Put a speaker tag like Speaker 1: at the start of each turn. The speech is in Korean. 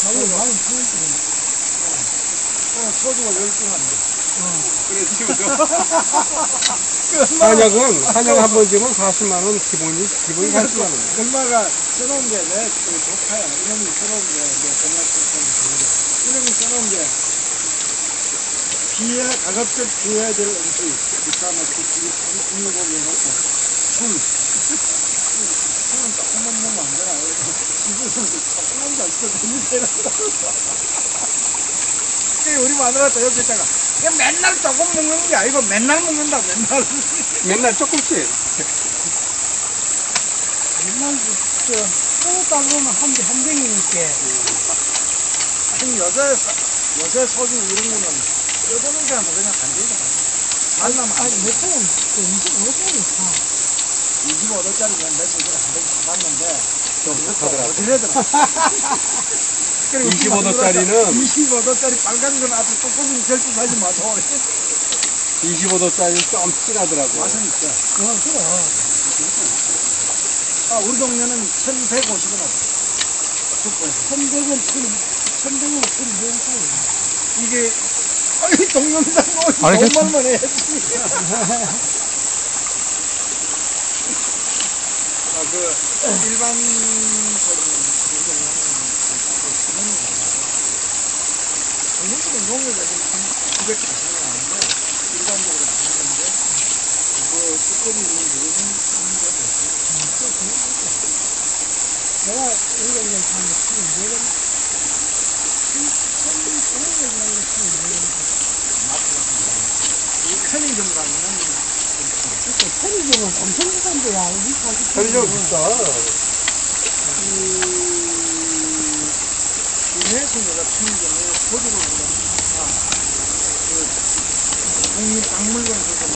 Speaker 1: 가격이 많이 풀렸지.
Speaker 2: 소주가 10분 안 돼. 그래, 지금
Speaker 3: 한약 한 번 지면 40만 원 기본이 40만 원.
Speaker 2: 엄마가 써놓은 게, 그 조카야. 이놈이 써놓은 게, 건약 썼던 이놈이 써놓은 게, 가급적 비해야 될 음식. 비싸면 국물고기 해놓고, 술은 조금만 먹으면 안 되나? 지금은 조금만 잘 써. 우리 마누라도 옆에 있다가, 이거 맨날 조금 먹는 게 아니고 맨날 먹는다, 맨날.
Speaker 3: 맨날 조금씩.
Speaker 1: 맨날 쏘다 보면 한 병이니까.
Speaker 2: 지금 요새 소주 이런 거는 뜯어놓은 게 뭐 그냥 간장이잖아.
Speaker 1: 아니, 몇 병은, 25병이 다.
Speaker 2: 25도짜리는 며칠 전에 한 번 사봤는데,
Speaker 3: 좀 하더라고.
Speaker 2: 어디래더라.
Speaker 3: 25도짜리는
Speaker 2: 25도짜리 빨간 건 아주 뚜껑이 결집하지 마도
Speaker 3: 25도짜리 좀 진하더라고.
Speaker 2: 맛은 있어.
Speaker 1: 그래.
Speaker 2: 우리 동네는 1150원 하고. 슈퍼에서.
Speaker 1: 1100원, 1100원, 1100원.
Speaker 2: 이게, 동영상 뭐,
Speaker 3: 알겠어.
Speaker 2: 돈만 해야지. 일반 전문적인 농협에 900 이상은 아닌데, 일반적으로 나오는데, 그거 뚜껑이 있는 부분은
Speaker 1: 내가 이런 걸 사면 1200원. 1200원.
Speaker 2: 이 편의점 가면은,
Speaker 1: 편의점은 엄청 비싼데야.
Speaker 3: 편의점 비싸.
Speaker 2: 국내에서 내가 편의점에 소주를 먹으니까, 국립박물관에서